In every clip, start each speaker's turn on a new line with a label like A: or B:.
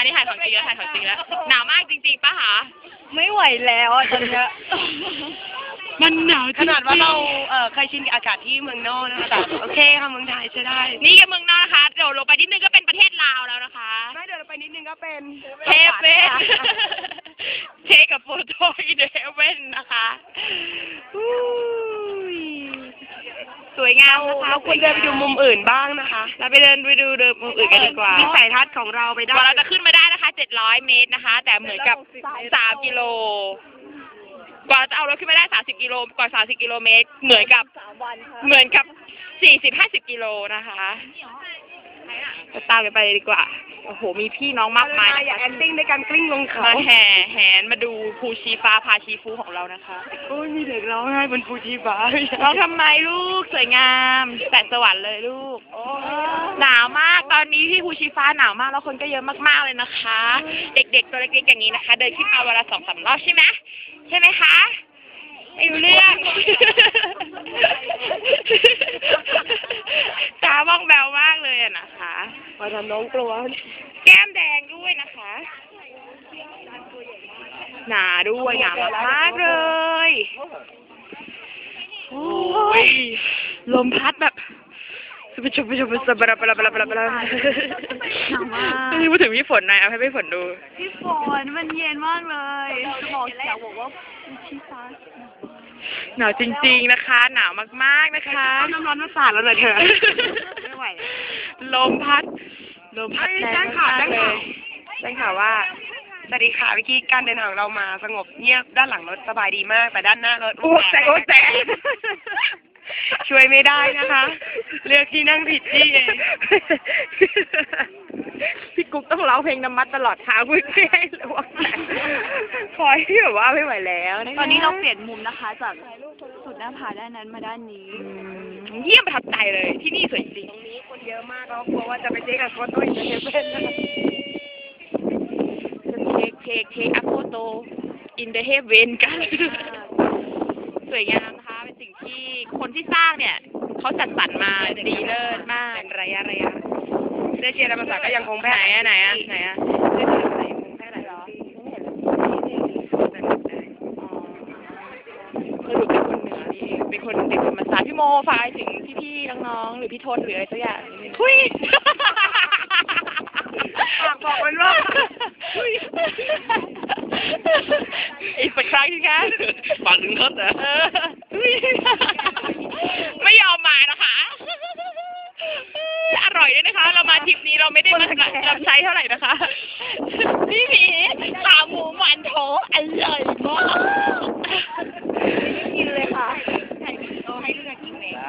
A: นี้ถ่ายของจริงแล้วถ่ายของจริงแล้วหนาวมากจริงๆป่ะคะ
B: ไม่ไหวแล้วตอนนี้
A: มันหนาว
B: ขนาดว่าเราเคยชินกับอากาศที่เมืองนอกนะคะแต่โอเคค่ะเมืองไทยใช้ได้
A: นี่กับเมืองนอกนะคะเดี๋ยวลงไปนิดนึงก็เป็นประเทศลาวแล้วนะคะ
B: ไม่เดี๋ยวเราไปนิดนึงก็เป็น
A: เทเว่นเทกับโฟโต้อีเดเว่นนะคะสวยงามนะคะ
B: เราควรเดินไปดูมุมอื่นบ้างนะคะ
A: เราไปเดินมุมอื่นกันดีกว่า
B: วิสัยทัศน์ของเราไปได้
A: เราจะขึ้นมาได้นะคะ700 เมตรนะคะแต่เหมือนกับ3 กิโลกว่าจะเอารถขึ้นมาได้30 กิโลกว่า30 กิโลเมตรเหมือนกับ40-50 กิโลนะคะตามกันไปเลยดีกว่าโอ้โหมีพี่น้องมากมาย
B: อยากแอคติ้งในการกลิ้งลงเขา
A: มาแหนมาดูภูชีฟ้าพาชีฟูของเรานะคะ
B: โอ้ยมีเด็กร้องไห้บนภูชีฟ้า
A: ร้องทำไมลูกสวยงามแสงสวรรค์เลยลูกหนาวมากตอนนี้ที่ภูชีฟ้าหนาวมากแล้วคนก็เยอะมากๆเลยนะคะเด็กๆตัวเล็กๆอย่างนี้นะคะเดินขึ้นมาวันละ2-3 รอบใช่ไหมคะไม่รู้เรื่องตาบ้องแบวมากเลยอะนะคะ
B: มาทำน้องกลัว
A: แก้มแดงด้วยนะคะหนาด้วยหนามากเลยโอ้ยลมพัดแบบไปชมบลาพูดถึงพี่ฝนหน่อยเอาให้พี่ฝนดู
B: พี่ฝนมันเย็นมากเลยสมองเสียบอกว่าพี่ฟ้า
A: หนาวจริงๆนะคะหนาวมากๆนะคะ
B: น้ำร้อนมาสาดแล้วเลยเธอไม่ไหว
A: ลมพัด
B: แรงข่าวว่าสวัสดีค่ะเมื่อกี้การเดินทางเรามาสงบเงียบด้านหลังรถสบายดีมากแต่ด้านหน้ารถ
A: โอ้แสง
B: ช่วยไม่ได้นะคะเลือกที่นั่งผิดที่เอง
A: พี่กุ๊กต้องร้องเพลงน้ำมัดตลอดทางเพื่อให้ระวังคอยที่แบบว่าไม่ไหวแล้ว
B: ตอนนี้เราเปลี่ยนมุมนะคะจากสุดหน้าผาด้านนั้นมาด้านนี้
A: เยี่ยมประทับใจเลยที่นี่สวยจริง
B: ตรงนี้คนเยอะมากเรากลัวว่าจะไปเทคอัพโฟโต้อีกจะเป็นนะคะ
A: เทคอัพโฟโต้อินเดเฮเวนกันสวยงามนะคะเป็นสิ่งที่คนที่สร้างเนี่ยเขาจัดสรรมาดีเลิศมาก
B: เป็นระยะเสื้อเชียร์ภาษาก็ยังคงแพร่
A: ไหนอะเสื้อเชียร์ภาษายังคงแพร่หรอคือหนูเป็นคนเหนือนี่เป็นคนภาษาพี่โมฝากถึงพี่ๆน้องๆหรือพี่ทนหรืออะไรสักอย่างทุย
B: บอกมันว่า
A: อีกสักครั้งที่คะ
C: ฟังถึงทศเหรอ
A: ไม่ยอมมานะคะอร่อยด้วยนะคะเรามาทริปนี้เราไม่ได้มาลำไส้เท่าไหร่นะคะพี่หมีขาหมูมันโถอร่อยมาก
B: กินเลยค่ะ
A: ให้เลือกกินเอง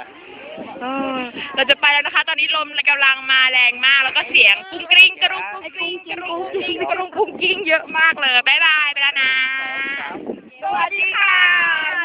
A: เราจะไปแล้วนะคะตอนนี้ลมกำลังมาแรงมากแล้วก็เสียงกุ้งกริ้งกระรุ้งกุ้งกิ้งเยอะมากเลยบ๊ายบายไปแล้วนะ
B: สวัสดีค่ะ